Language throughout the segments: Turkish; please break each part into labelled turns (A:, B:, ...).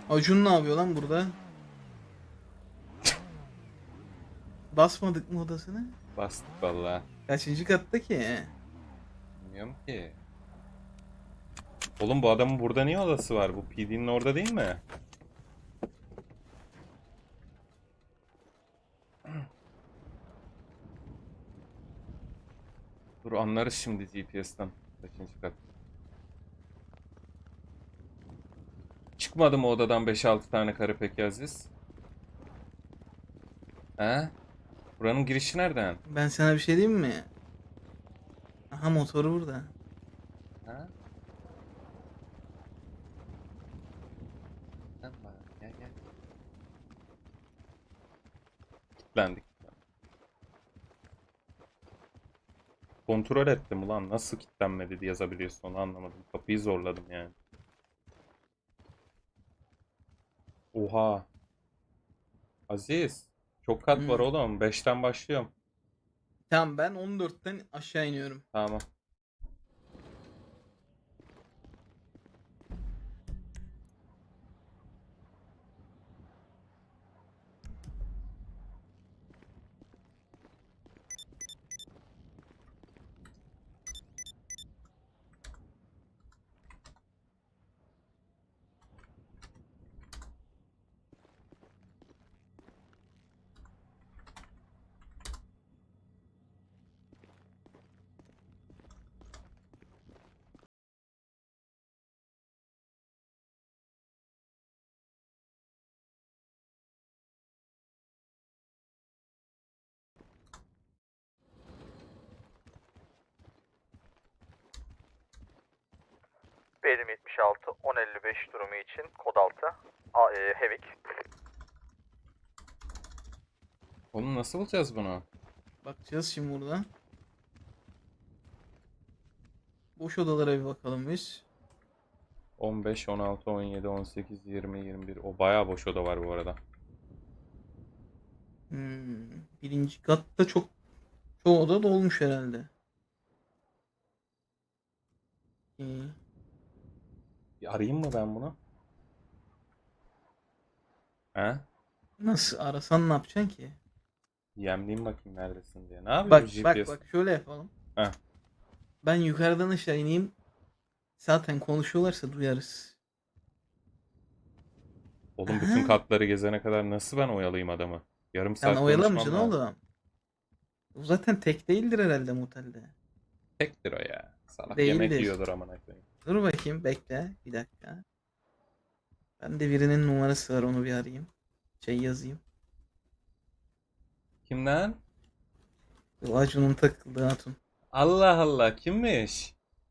A: Acun ne yapıyor lan burada? Basmadık mı odasını?
B: Bastık valla.
A: Kaçıncı katta ki?
B: Bilmiyorum ki. Oğlum bu adamın burada niye odası var? Bu PD'nin orada değil mi? Dur anlarız şimdi GPS'ten. Kaçıncı kat? Çıkmadı mı odadan 5-6 tane karı peki Aziz? He? Buranın girişi nereden?
A: Ben sana bir şey diyeyim mi? Aha motoru burada.
B: Ha? Sen bak, gel gel. Kilitlendik. Kontrol ettim ulan. Nasıl kilitlenmedi diye yazabiliyorsun onu anlamadım. Kapıyı zorladım yani. Oha. Aziz. Çok kat var
A: Hmm.
B: oğlum. 5'ten başlıyorum.
A: Tamam ben 14'ten aşağı iniyorum.
B: Tamam.
C: Benim 76 1055 durumu için kod 6 Hevik.
B: Oğlum nasıl bulacağız bunu?
A: Bakacağız şimdi burada. Boş odalara bir bakalım biz.
B: 15, 16, 17, 18, 20, 21. O bayağı boş oda var bu arada.
A: Birinci katta çoğu oda dolmuş herhalde. İyi.
B: Bir arayayım mı ben bunu? He?
A: Nasıl arasan ne yapacaksın ki?
B: Yemleyeyim bakayım neredesin diye. Ne yapıyor bu
A: Bak bak
B: GPS?
A: bak şöyle yapalım.
B: Heh.
A: Ben yukarıdan aşağı ineyim. Zaten konuşuyorlarsa duyarız.
B: Oğlum bütün
A: Aha.
B: katları gezene kadar nasıl ben oyalayayım adamı? Yarım
A: Sen
B: saat konuşmam
A: oyalamayacaksın
B: lazım.
A: oğlum. O zaten tek değildir herhalde motelde.
B: Tektir o ya. Salak yemek
A: Değildir.
B: yiyordur amına koyayım.
A: Dur bakayım bekle bir dakika. Ben de birinin numarası var onu bir arayayım. Şey yazayım.
B: Kimden?
A: Bu Acun'un takıldığı hatun.
B: Allah Allah kimmiş?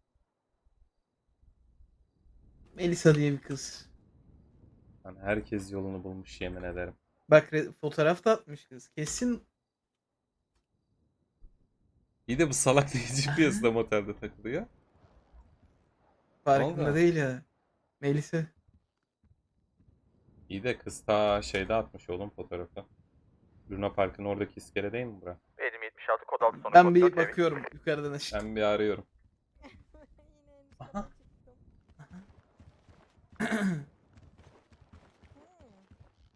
A: Melisa diye bir kız.
B: Lan herkes yolunu bulmuş yemin ederim.
A: Bak fotoğraf da atmış kız. Kesin.
B: İyi de bu salak niye GPS'de
A: Aha,
B: motelde takılıyor? Ne
A: farkında
B: oldu?
A: değil ya. Melisa.
B: İyi de kız ta şeyde atmış oğlum fotoğrafı. Luna Park'ın oradaki iskele değil mi bura?
C: Benim 76 kod 6 sonra
A: Ben
C: kod
A: bir
C: 4 Hevik.
A: bakıyorum yukarıdan aşağı.
B: Ben bir arıyorum.
D: Yine en üst
B: Aha.
D: kata çıktım. Hmm.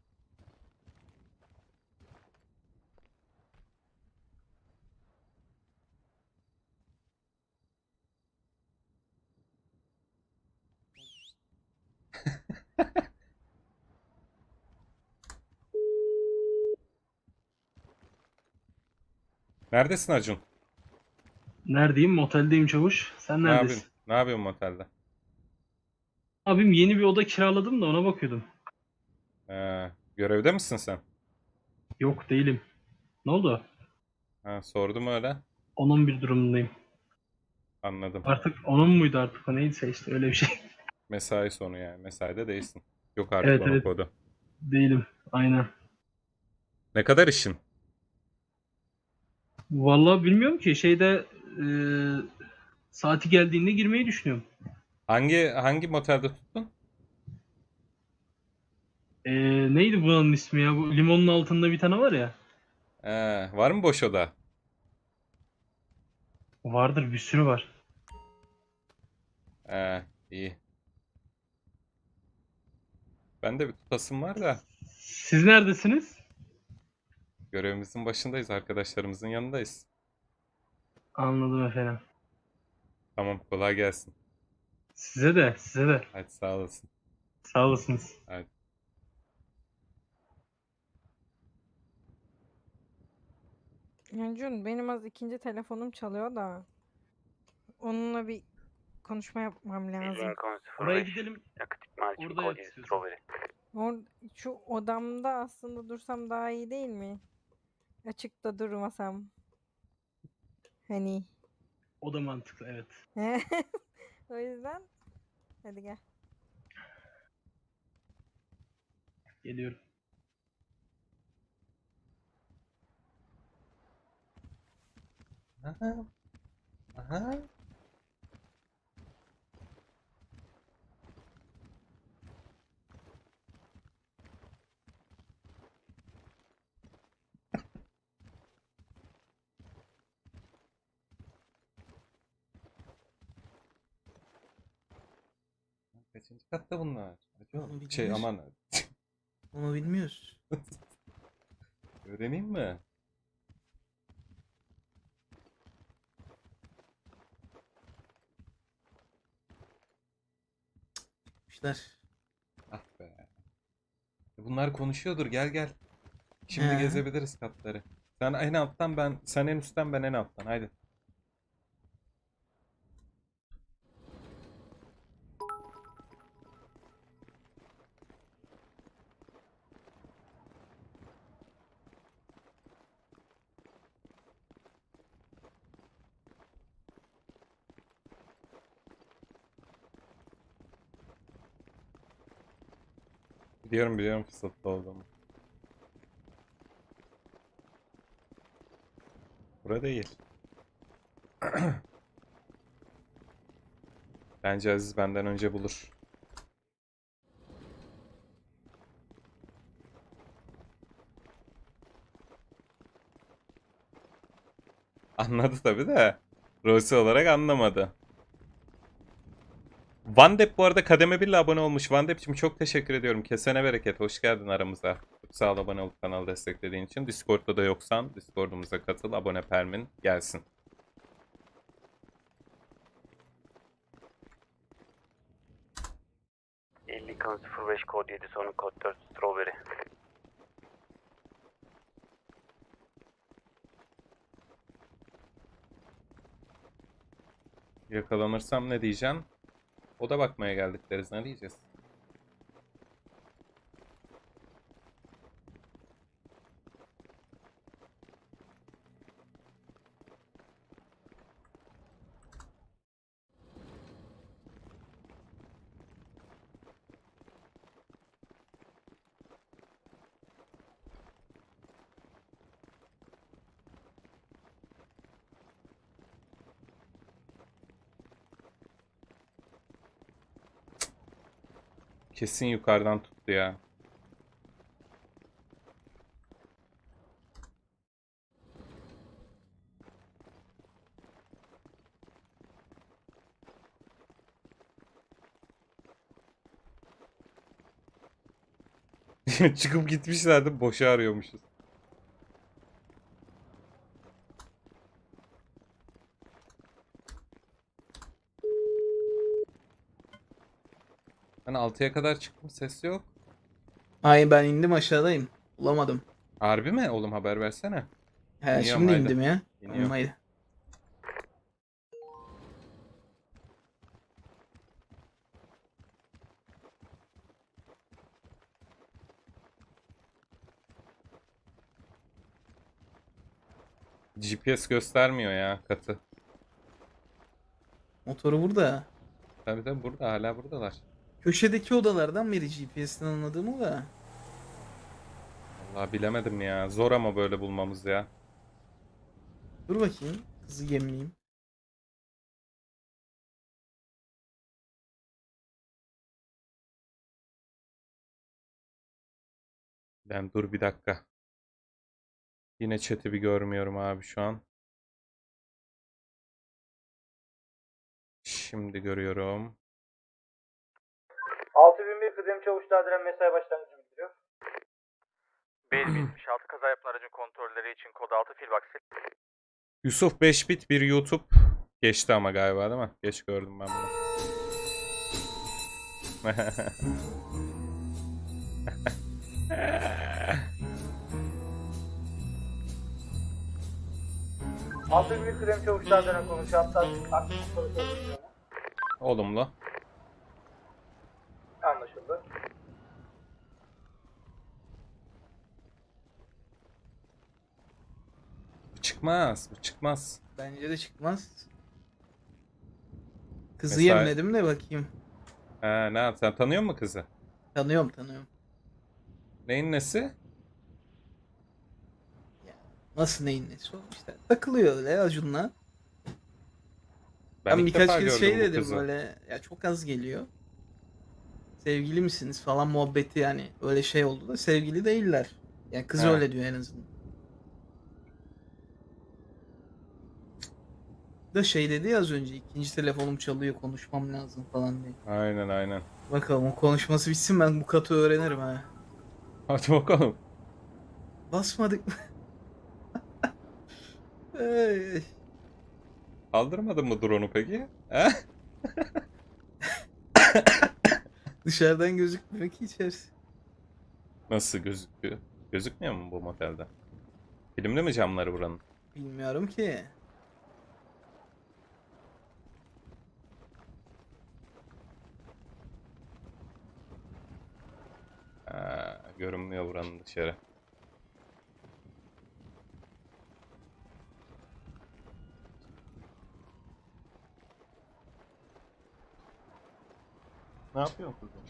B: Neredesin Acun?
E: Neredeyim? Moteldeyim çavuş. Sen
B: Ne yapıyorsun?
E: neredesin?
B: Ne yapıyorsun motelde?
E: Abim yeni bir oda kiraladım da ona bakıyordum.
B: Görevde misin sen?
E: Yok değilim. Ne oldu?
B: Ha, sordum öyle.
E: Onun bir durumundayım.
B: Anladım.
E: Artık onun muydu artık o neyse işte öyle bir şey.
B: Mesai sonu yani. Mesaide değilsin. Yok artık
E: Evet
B: onun
E: evet
B: kodu.
E: değilim. Aynen.
B: Ne kadar işin?
E: Vallahi bilmiyorum ki şeyde saati geldiğinde girmeyi düşünüyorum.
B: Hangi motelde tuttun?
E: Neydi buranın ismi ya? Bu limonun altında bir tane var ya.
B: Var mı boş oda?
E: Vardır bir sürü var.
B: İyi. Ben de bir tutasım var da
E: Siz neredesiniz?
B: görevimizin başındayız. Arkadaşlarımızın yanındayız.
E: Anladım efendim.
B: Tamam, kolay gelsin.
E: Size de, size de.
B: Hadi sağ olasın.
E: Sağ olasınız.
B: Hadi.
D: Yancun benim az ikinci telefonum çalıyor da onunla bir konuşma yapmam lazım.
C: Lincoln
E: Oraya
C: 05
E: gidelim.
C: yakıt ikmal için
E: Orada
C: kod
E: yap
C: 7
E: istiyorsan.
C: Strawberry.
D: Or şu odamda aslında dursam daha iyi değil mi? Açıkta durmasam. Hani.
E: O da mantıklı, evet.
D: O yüzden hadi gel.
E: Geliyorum.
B: Aha. Aha. Kaçıncı katta bunlar? Acaba?
A: Onu
B: Şey
A: bilmiyoruz.
B: aman
A: Onu bilmiyoruz.
B: öğreneyim mi?
A: İşler.
B: Ah be. Bunlar konuşuyordur. Gel gel. Şimdi
A: He.
B: gezebiliriz katları. Sen en alttan sen en üstten ben en alttan. Haydi. Biliyorum fırsatlı olduğumu. Bura değil. Bence Aziz benden önce bulur. Anladı tabii de. Rosi olarak anlamadı. Vandep bu arada kademe 1 ile abone olmuş. Vandep'cim çok teşekkür ediyorum. Kesene bereket. Hoş geldin aramıza. Çok sağ ol abone olup kanalı desteklediğin için. Discord'da da yoksan Discord'umuza katıl. Abone permin gelsin.
C: Lincoln 05 kod 7 sonu kod 4 Strawberry.
B: Yakalanırsam ne diyeceğim? O da bakmaya geldik deriz. Ne diyeceğiz? Kesin yukarıdan tuttu ya. Çıkıp gitmişlerdi. Boşa arıyormuşuz. Ben 6'ya kadar çıktım. Ses yok.
A: Ay ben indim aşağıdayım. Bulamadım.
B: Harbi mi? Oğlum haber versene.
A: He
B: İniyorum,
A: şimdi
B: haydi.
A: indim ya.
B: İniyorum.
A: Tamam haydi.
B: GPS göstermiyor ya katı.
A: Motoru burada.
B: Tabii tabii burada hala buradalar.
A: Köşedeki odalardan biri GPS'ten anladığımı da.
B: Vallahi bilemedim ya. Zor ama böyle bulmamız ya.
A: Dur bakayım. Kızı gemleyeyim.
B: Ben dur bir dakika. Yine chat'i bir görmüyorum abi şu an. Şimdi görüyorum.
C: 6001 kıdem çavuş tadilen mesai başlangıcı bildiriyor. 5076 kaza yapan aracın kontrolleri için kod 6 filbox.
B: Yusuf 5 bit bir YouTube geçti ama galiba değil mi? Geç gördüm ben bunu.
C: Altı bir kıdem çavuş tadilen konuşuyor. Hatta aktif soru
B: Olumlu.
C: anlaşıldı.
B: Bu çıkmaz. Bu çıkmaz.
A: Bence de çıkmaz. Kızı
B: Mesela-
A: yemledim de bakayım.
B: Ne yap? Sen tanıyor musun kızı?
A: Tanıyorum.
B: Neyin nesi?
A: Ya, nasıl neyin nesi o işte. Takılıyor öyle Acun'la. Ben
B: ilk
A: birkaç
B: defa
A: kez
B: gördüm
A: şey
B: bu
A: dedim
B: kızı.
A: böyle ya çok az geliyor. Sevgili misiniz falan muhabbeti yani öyle şey oldu da sevgili değiller. Yani kız
B: He.
A: öyle diyor en azından. Da şey dedi ya az önce ikinci telefonum çalıyor konuşmam lazım falan diye.
B: Aynen.
A: Bakalım o konuşması bitsin ben bu katı öğrenirim ha.
B: Hadi bakalım.
A: Basmadık mı? Ay.
B: Kaldırmadın mı drone'u peki? He?
A: Dışarıdan gözükmüyor ki içerisi.
B: Nasıl gözüküyor? Gözükmüyor mu bu motelde? Filmli mi camları buranın?
A: Bilmiyorum ki.
B: Görünmüyor buranın dışarı. Ne yapıyorsun kızım?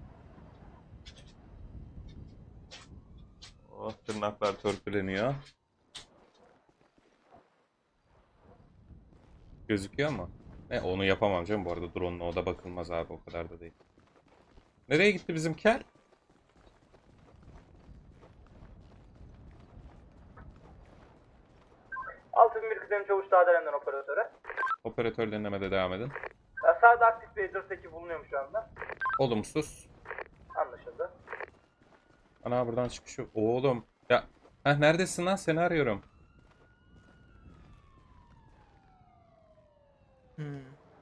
B: Oh, tırnaklar törpüleniyor. Gözüküyor mu? Onu yapamam canım. Bu arada drone'la o da bakılmaz abi. O kadar da değil. Nereye gitti bizim kel?
C: Altı bir kıdem çavuş tadilemden operatöre.
B: Operatör denemede devam edin.
C: Sağda aktif bir Edward eki bulunuyor şu anda.
B: Olumsuz.
C: Anlaşıldı.
B: Ana buradan çıkış yok. Oğlum. Ya. Neredesin lan? Seni arıyorum.
A: Hmm.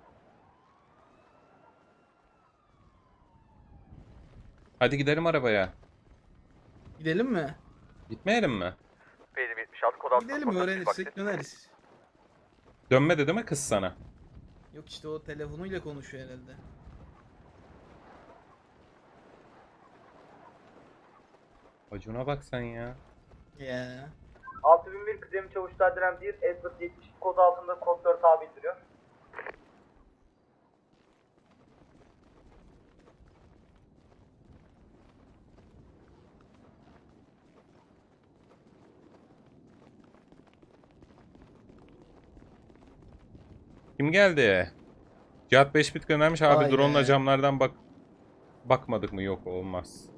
B: Hadi gidelim arabaya.
A: Gidelim mi?
B: Gitmeyelim mi?
C: 5076 kod 6
A: Gidelim öğrenirsek döneriz.
B: Dönmedi değil mi kız sana?
A: Yok işte o telefonuyla konuşuyor herhalde.
B: Acuna bak sen ya.
A: Ya.
C: 6001 kıdem çavuş tadilen 1 Edward 70 kod altında kod 4 A bildiriyor.
B: Kim geldi? Cihat 5 bit göndermiş abi
A: Vay
B: drone'la
A: be.
B: camlardan bakmadık mı? Yok olmaz.